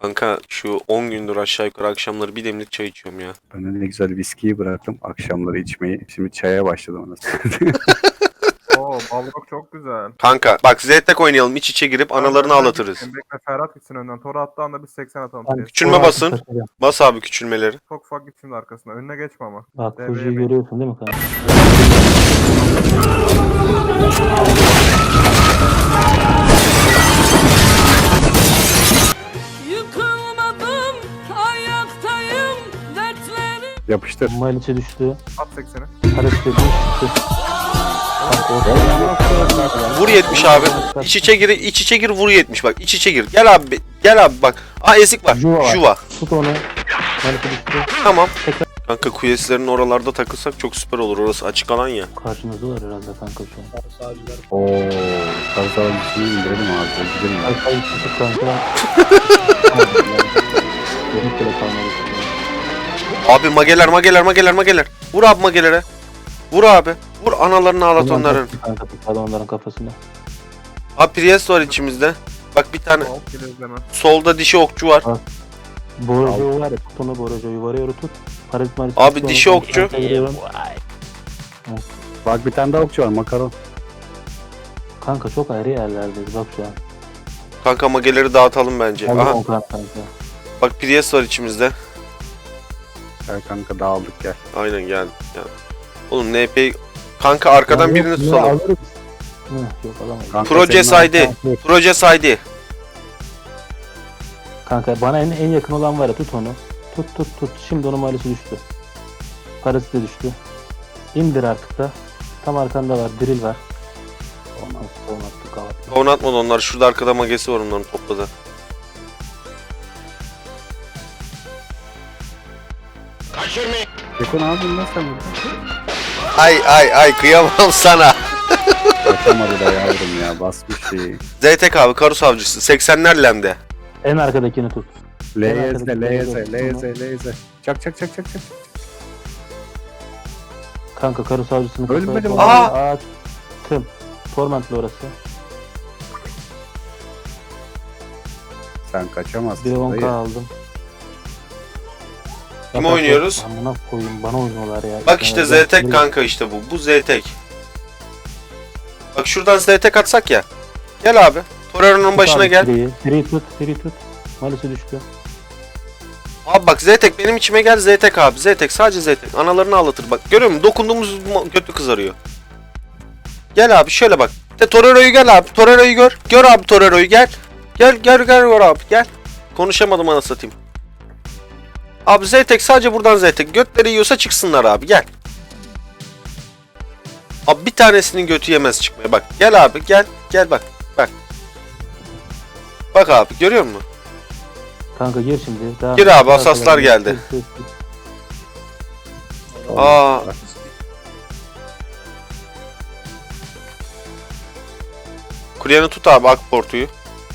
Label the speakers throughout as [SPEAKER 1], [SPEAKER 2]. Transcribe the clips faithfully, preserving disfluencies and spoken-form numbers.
[SPEAKER 1] Kanka şu on gündür aşağı yukarı akşamları bir demlik çay içiyorum ya.
[SPEAKER 2] Ben de ne güzel viskiyi bıraktım akşamları içmeyi. Şimdi çaya başladım anasını.
[SPEAKER 3] Oo, Balrog çok güzel.
[SPEAKER 1] Kanka bak Ztek oynayalım, iç içe girip analarını
[SPEAKER 3] Önden
[SPEAKER 1] ağlatırız.
[SPEAKER 3] gitsin, Bekle Ferhat gitsin önden. Tora attığı anda biz seksen atalım.
[SPEAKER 4] Ben-
[SPEAKER 3] Şey.
[SPEAKER 1] Küçülme
[SPEAKER 4] Orası
[SPEAKER 1] basın.
[SPEAKER 4] kaçırıyor.
[SPEAKER 1] Bas abi küçülmeleri.
[SPEAKER 3] Çok ufak git şimdi arkasına. Önüne geçme ama.
[SPEAKER 4] Bak
[SPEAKER 3] Devreye
[SPEAKER 4] Fuji'yi
[SPEAKER 3] mi?
[SPEAKER 4] görüyorsun değil mi kanka?
[SPEAKER 5] Yıkılmadım, ayaktayım, dertlerim.
[SPEAKER 2] Yapıştır.
[SPEAKER 4] Maliç'e düştü.
[SPEAKER 3] At sekseni.
[SPEAKER 4] Harekete düştü. Bak orada.
[SPEAKER 1] Vur yetmiş abi. İç içe gir, iç içe gir vur yetmiş bak. İç içe gir. Gel abi. Gel abi bak. Aa ezik var.
[SPEAKER 4] Juva var.
[SPEAKER 1] Juva.
[SPEAKER 4] Tut onu. Maliç'e düştü.
[SPEAKER 1] Tamam.
[SPEAKER 4] Tekrar.
[SPEAKER 1] Kanka kuyeslerin oralarda takılsak çok süper olur. Orası açık alan ya.
[SPEAKER 4] Karşımızda var herhalde kanka şu an.
[SPEAKER 2] Oo, karısı avcısını indirelim abi. O gidelim ya.
[SPEAKER 4] Arkayı tutup kanka. Benim bile kalmadı.
[SPEAKER 1] Abi mageler mageler mageler mageler. Vur abi magelere. Vur abi. Vur analarını ağlat onların.
[SPEAKER 4] Kanka tutardı onların kafasına.
[SPEAKER 1] Abi Priest var içimizde. Bak bir tane
[SPEAKER 3] Hop gel izleme.
[SPEAKER 1] solda dişi okçu var.
[SPEAKER 4] Borajo'yu var ya tut onu Borajo'yu var ya tut. Parit marit.
[SPEAKER 1] Abi
[SPEAKER 4] tut onu,
[SPEAKER 1] dişi
[SPEAKER 4] onu
[SPEAKER 1] okçu.
[SPEAKER 4] kanka vuruyorum.
[SPEAKER 2] Bak bir tane daha okçu var makaron.
[SPEAKER 4] Kanka çok ayrı yerlerdeyiz bak şu an.
[SPEAKER 1] Kanka mageleri dağıtalım bence.
[SPEAKER 4] Aha.
[SPEAKER 1] Aha.
[SPEAKER 4] Kanka.
[SPEAKER 1] Bak Priest var içimizde.
[SPEAKER 2] Gel kanka dağıldık gel.
[SPEAKER 1] Aynen gel. gel. Oğlum N P kanka arkadan
[SPEAKER 4] Ya
[SPEAKER 1] birini
[SPEAKER 4] yok,
[SPEAKER 1] tutalım.
[SPEAKER 4] alırız. Hı, yok alamayız.
[SPEAKER 2] Kanka
[SPEAKER 1] Proje
[SPEAKER 2] senin
[SPEAKER 1] saydı.
[SPEAKER 2] arkadaşın-
[SPEAKER 1] Proje saydı.
[SPEAKER 4] Kanka bana en, en yakın olan var ya tut onu. Tut tut tut. Şimdi onun malisi düştü. Parası da düştü. İndir artık da. Tam arkanda var. Drill var. Olmaz. Olmaz. Kavat.
[SPEAKER 1] Onu atmadı onlar. Şurada arkada magesi var onların topladı.
[SPEAKER 2] Yakın abi nasıl sen burada?
[SPEAKER 1] Ay ay ay kıyamam sana.
[SPEAKER 2] Yapamadı da yavrum ya basmış şeyi.
[SPEAKER 1] Ztek abi Karus avcısı. seksenler lemde.
[SPEAKER 4] En arkadakini tut.
[SPEAKER 2] L Y Z,
[SPEAKER 4] arkadaki
[SPEAKER 2] L Y Z,
[SPEAKER 4] L Y Z.
[SPEAKER 2] L Y Z, L Y Z. Çak çak çak çak çak.
[SPEAKER 4] Kanka karı savcısını
[SPEAKER 2] Ölmedim
[SPEAKER 4] kafaya
[SPEAKER 1] abi.
[SPEAKER 4] koydu. Aa! Tım. Torment'li orası.
[SPEAKER 2] Sen
[SPEAKER 4] Bir
[SPEAKER 2] kaçamazsın
[SPEAKER 4] on k
[SPEAKER 2] dayı.
[SPEAKER 4] aldım.
[SPEAKER 1] Kim
[SPEAKER 4] Bak, bak,
[SPEAKER 1] oynuyoruz?
[SPEAKER 4] Amına koyayım bana oynuyorlar ya.
[SPEAKER 1] Bak işte
[SPEAKER 4] Ya,
[SPEAKER 1] Ztek
[SPEAKER 4] bak,
[SPEAKER 1] kanka işte bu. Bu Ztek. Bak şuradan Ztek atsak ya. Gel abi. Torero'nun
[SPEAKER 4] tut
[SPEAKER 1] başına
[SPEAKER 4] abi
[SPEAKER 1] gel.
[SPEAKER 4] Free, free tut, free tut. Malisi düştü.
[SPEAKER 1] Abi bak Ztek benim içime gel Ztek abi. Ztek sadece Ztek. Analarını ağlatır bak. Görüyor musun? Dokunduğumuz mo- götü kızarıyor. Gel abi şöyle bak. De Torero'yu gel abi. Torero'yu gör. Gör abi Torero'yu gel. Gel gel gel gör abi gel. Konuşamadım ana satayım. Abi Ztek sadece buradan Ztek. Götleri yiyorsa çıksınlar abi gel. Abi bir tanesinin götü yemez çıkmaya bak. Gel abi gel. Gel bak. Bak. Bak abi görüyor musun?
[SPEAKER 4] Kanka gir şimdi. Daha
[SPEAKER 1] Gir abi, asaslar geldi.
[SPEAKER 4] Gir, gir, gir.
[SPEAKER 1] Aa. Kuryeni tut abi Akportu'yu.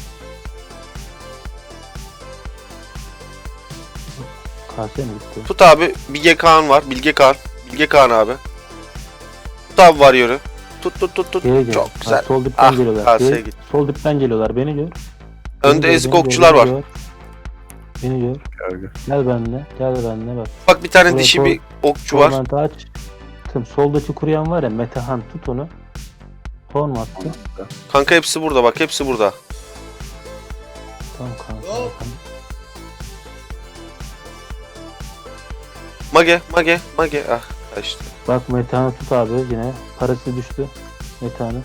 [SPEAKER 4] Karşıya mı gitti?
[SPEAKER 1] Tut abi Bilge Kağan var. Bilge Kağan. Bilge Kağan abi. Tut abi var yürü. Tut tut tut tut.
[SPEAKER 4] Geri gel.
[SPEAKER 1] Çok güzel.
[SPEAKER 4] Ha, sol dipten
[SPEAKER 1] Ah,
[SPEAKER 4] geliyorlar.
[SPEAKER 1] karşıya
[SPEAKER 4] Gel.
[SPEAKER 1] git.
[SPEAKER 4] Sol dipten geliyorlar. Beni gör. Beni
[SPEAKER 1] Önde
[SPEAKER 4] gör,
[SPEAKER 1] ezik
[SPEAKER 4] beni gör,
[SPEAKER 1] okçular
[SPEAKER 4] beni
[SPEAKER 1] var.
[SPEAKER 4] gör. Beni gör.
[SPEAKER 2] Gel,
[SPEAKER 4] Gel benimle. Gel benimle bak.
[SPEAKER 1] Bak bir tane
[SPEAKER 4] Buraya
[SPEAKER 1] dişi
[SPEAKER 4] sol-
[SPEAKER 1] bir okçu var.
[SPEAKER 4] Torment'ı aç. Tüm soldaki kuruyan var ya Metehan tut onu. Torn mu attı?
[SPEAKER 1] Kanka hepsi burada bak hepsi burada.
[SPEAKER 4] Tamam kanka.
[SPEAKER 1] Mage mage mage. Ah kaçtı.
[SPEAKER 4] Bak Metehan'ı tut abi yine. Parası düştü. Metehan'ın.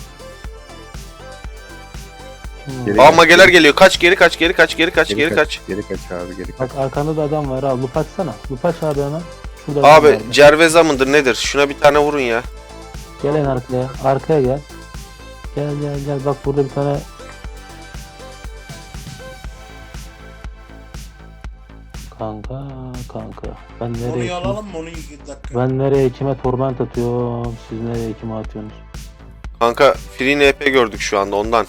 [SPEAKER 4] Kim var?
[SPEAKER 2] Geri
[SPEAKER 1] Aa
[SPEAKER 2] gel.
[SPEAKER 1] mageler geliyor. Kaç geri kaç geri kaç geri kaç geri kaç.
[SPEAKER 2] Geri kaç abi geri kaç.
[SPEAKER 4] Bak arkanda da adam var ha. Lup açsana. Lup aç abi hemen. Şurada adam
[SPEAKER 1] Abi
[SPEAKER 4] var.
[SPEAKER 1] Cerveza mıdır nedir? Şuna bir tane vurun ya.
[SPEAKER 4] Gel en arkaya. Arkaya gel. Gel gel gel. Bak burada bir tane Kanka kanka. Ben nereye
[SPEAKER 6] Onu
[SPEAKER 4] kim,
[SPEAKER 6] alalım mı onu iki dakika?
[SPEAKER 4] ben nereye kime torment atıyorum. Siz nereye kime atıyorsunuz?
[SPEAKER 1] Kanka Free N P gördük şu anda ondan.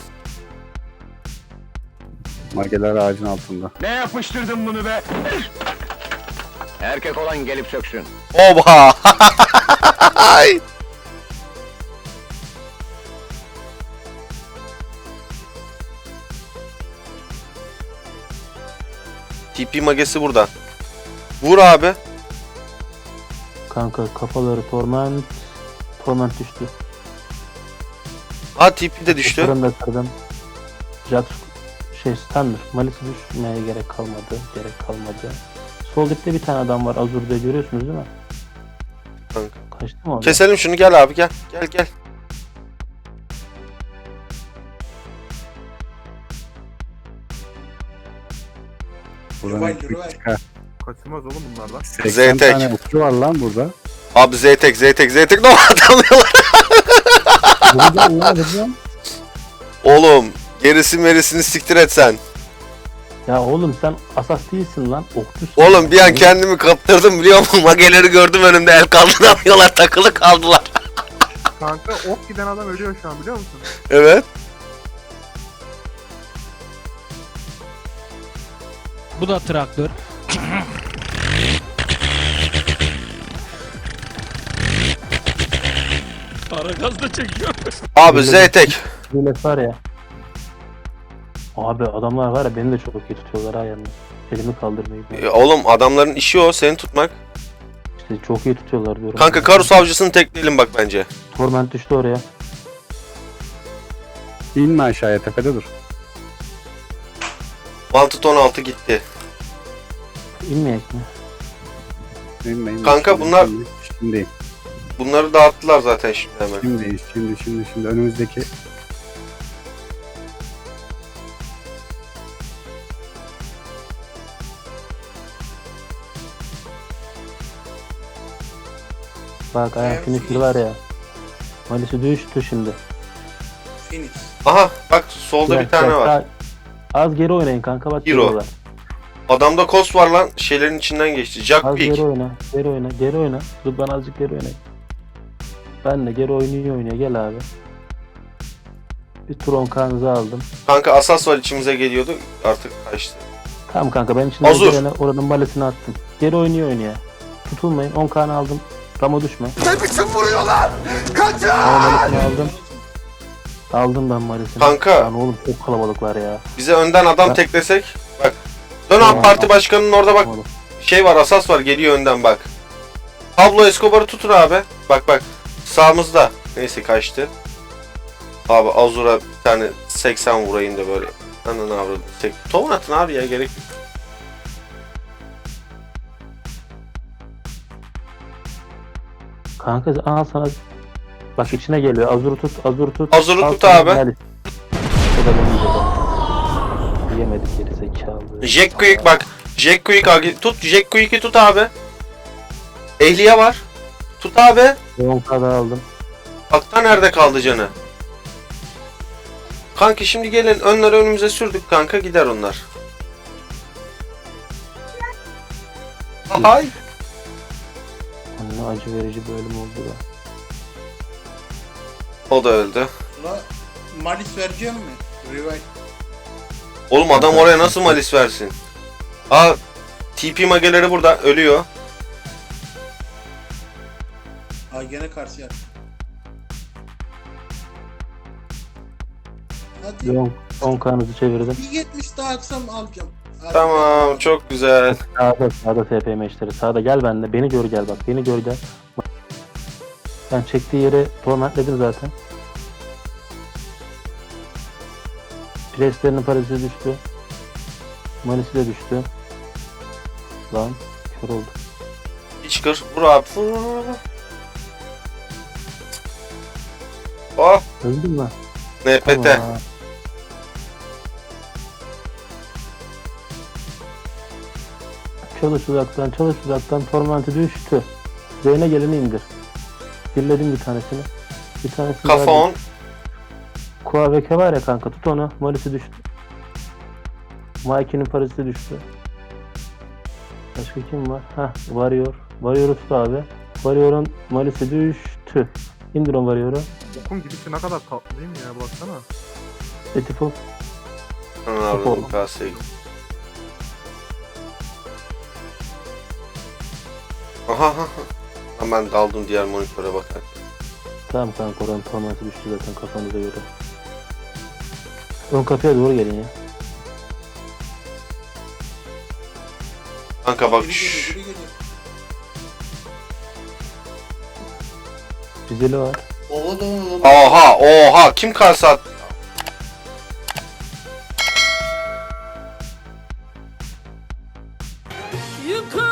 [SPEAKER 2] Mageler ağacın altında.
[SPEAKER 7] Ne yapıştırdın bunu be? Erkek olan gelip söksün.
[SPEAKER 1] Oba! T P magesi burada. Vur abi.
[SPEAKER 4] Kanka kafaları torment. Torment düştü.
[SPEAKER 1] Ha T P de düştü.
[SPEAKER 4] Fırında kırdım. Jax şey standır. Malisi düşmeye gerek kalmadı. Gerek kalmadı. Sol dipte bir tane adam var. Azur'da görüyorsunuz değil mi?
[SPEAKER 1] Kanka.
[SPEAKER 4] Kaçtı mı orada?
[SPEAKER 1] Keselim şunu, gel abi gel. Gel gel.
[SPEAKER 2] Buradan elektrik çıkar.
[SPEAKER 3] Kaçılmaz oğlum bunlardan.
[SPEAKER 2] seksen
[SPEAKER 1] Zeytek.
[SPEAKER 2] tane okçu var lan burada.
[SPEAKER 1] Abi Z-Tek Z-Tek Z-Tek ne atamıyorlar.
[SPEAKER 4] Burada ne yapacağım?
[SPEAKER 1] Oğlum gerisi merisini siktir et sen.
[SPEAKER 4] Ya oğlum sen asas değilsin lan. Okçusun.
[SPEAKER 1] Oğlum bir an kendimi kaptırdım biliyor musun? Mageleri gördüm önümde, el kaldıramıyorlar, takılı kaldılar.
[SPEAKER 3] Kanka ok giden adam ölüyor şu an biliyor musun?
[SPEAKER 1] Evet.
[SPEAKER 6] Bu da traktör. Para gaz da çekiyor.
[SPEAKER 1] Abi Z-Tek.
[SPEAKER 4] Millet var ya. Abi adamlar var ya beni de çok iyi tutuyorlar ha yalnız. Elimi kaldırmayı.
[SPEAKER 1] E, Oğlum adamların işi o, seni tutmak.
[SPEAKER 4] İşte çok iyi tutuyorlar diyorum.
[SPEAKER 1] Kanka Karus avcısını tekleyelim bak bence.
[SPEAKER 4] Torment düştü oraya.
[SPEAKER 2] İnme aşağıya, tepede dur.
[SPEAKER 1] Mantıt on altı gitti.
[SPEAKER 4] İnmeyek mi?
[SPEAKER 2] İnme, inme.
[SPEAKER 1] Kanka
[SPEAKER 2] Şimdi,
[SPEAKER 1] bunlar-
[SPEAKER 2] Şimdi, şimdi,
[SPEAKER 1] Bunları dağıttılar zaten şimdi hemen.
[SPEAKER 2] şimdi, şimdi, şimdi, şimdi önümüzdeki...
[SPEAKER 4] Bak ayak finisher var ya. Malisi düştü şimdi.
[SPEAKER 1] Aha bak solda
[SPEAKER 4] Gel,
[SPEAKER 1] bir tane
[SPEAKER 4] gel,
[SPEAKER 1] var.
[SPEAKER 4] daha- Az geri oynayın kanka bak
[SPEAKER 1] Hero.
[SPEAKER 4] geliyorlar.
[SPEAKER 1] Adamda kos var lan, şeylerin içinden geçti.
[SPEAKER 4] Az
[SPEAKER 1] Jack
[SPEAKER 4] geri
[SPEAKER 1] Peak.
[SPEAKER 4] oyna. Geri oyna. Geri oyna. Dur ben azıcık geri oynayayım. Ben de geri oynuyor oynuyor. Gel abi. Bir Tron kanızı aldım.
[SPEAKER 1] Kanka Asas var içimize geliyordu, artık kaçtı.
[SPEAKER 4] Tamam kanka ben içinden
[SPEAKER 1] Azur.
[SPEAKER 4] gelene oranın balesini attım. Geri oynuyor oynuyor. Tutulmayın. on kanı aldım. Ramo düşme. Ne biçim vuruyorlar? Kaçın! Balesini aldım. Aldım ben malesini.
[SPEAKER 1] Kanka.
[SPEAKER 4] Lan oğlum çok kalabalıklar ya.
[SPEAKER 1] Bize önden adam
[SPEAKER 4] Ya.
[SPEAKER 1] teklesek. Bak. Dön
[SPEAKER 4] Tamam.
[SPEAKER 1] abi, parti başkanının orada bak.
[SPEAKER 4] Oğlum.
[SPEAKER 1] Şey var, Asas var, geliyor önden bak. Pablo Escobar'ı tutun abi. Bak bak. Sağımızda. Neyse kaçtı. Abi Azur'a bir tane seksen vurayım da böyle. Ananı avradım. Tek... Tovun atın abi ya, gerek yok.
[SPEAKER 4] Kanka al sana. Bak içine geliyor. Azur tut. Azur tut.
[SPEAKER 1] Azur'u
[SPEAKER 4] Al
[SPEAKER 1] tut
[SPEAKER 4] sana
[SPEAKER 1] abi.
[SPEAKER 4] Malis. O da benim de. Yemedik geri zekalı.
[SPEAKER 1] Jack Quick bak. Jack Quick abi. Tut. Jack Quick'i tut abi. Ehliye var. Tut abi.
[SPEAKER 4] on kadar aldım.
[SPEAKER 1] Akta nerede kaldı canı? Kanka şimdi gelin, önleri önümüze sürdük kanka, gider onlar. Hay.
[SPEAKER 4] Ne acı verici bölüm oldu da.
[SPEAKER 1] O da öldü.
[SPEAKER 8] Buna Malis vereceğim mi? Revive.
[SPEAKER 1] Oğlum adam oraya nasıl malis versin? Aa, T P mageleri burada, ölüyor.
[SPEAKER 8] Ay gene karşıya. Hadi
[SPEAKER 4] on kanızı çevirdim.
[SPEAKER 8] bir yetmiş daha atsam alacağım. Hadi.
[SPEAKER 1] Tamam, çok güzel.
[SPEAKER 4] Sağda sağda T P meşleri. Sağda gel bende. Beni gör gel bak. Beni gör gel. Ben çektiği yere tormentledim zaten. Preslerinin parası düştü. Manisi de düştü. Lan kör oldu.
[SPEAKER 1] Hiç kır, vur abi. Vur, vur, vur. Oh,
[SPEAKER 4] Öldün mü?
[SPEAKER 1] N P T.
[SPEAKER 4] Tamam. Çalış uzaktan, çalış uzaktan. Tormenti düştü. Zeyne geleni indir. Birledim bir tanesini. Bir tanesini
[SPEAKER 1] Kafa
[SPEAKER 4] verdim.
[SPEAKER 1] on.
[SPEAKER 4] Kuaveke var ya kanka, tut onu. Malisi düştü. Mikey'nin parası düştü. Başka kim var? Heh, Warrior. Warrior'u tut abi. Warrior'un malisi düştü. İndir o Warrior'u.
[SPEAKER 3] Okun gidişi ne kadar tatlı değil mi ya, baksana.
[SPEAKER 4] Etiful.
[SPEAKER 1] Ananı avradım, kaseye git. Aha aha. Hemen daldım diğer monitöre bakar.
[SPEAKER 4] Tamam kanka, oranın tormenti düştü zaten kafanıza göre. Ön kapıya doğru gelin ya.
[SPEAKER 1] Kanka bak.
[SPEAKER 8] Biri geliyor, biri geliyor.
[SPEAKER 4] Güzeli var.
[SPEAKER 8] Oha da oğlum.
[SPEAKER 1] Oha oha kim kase at?
[SPEAKER 5] Yıkıl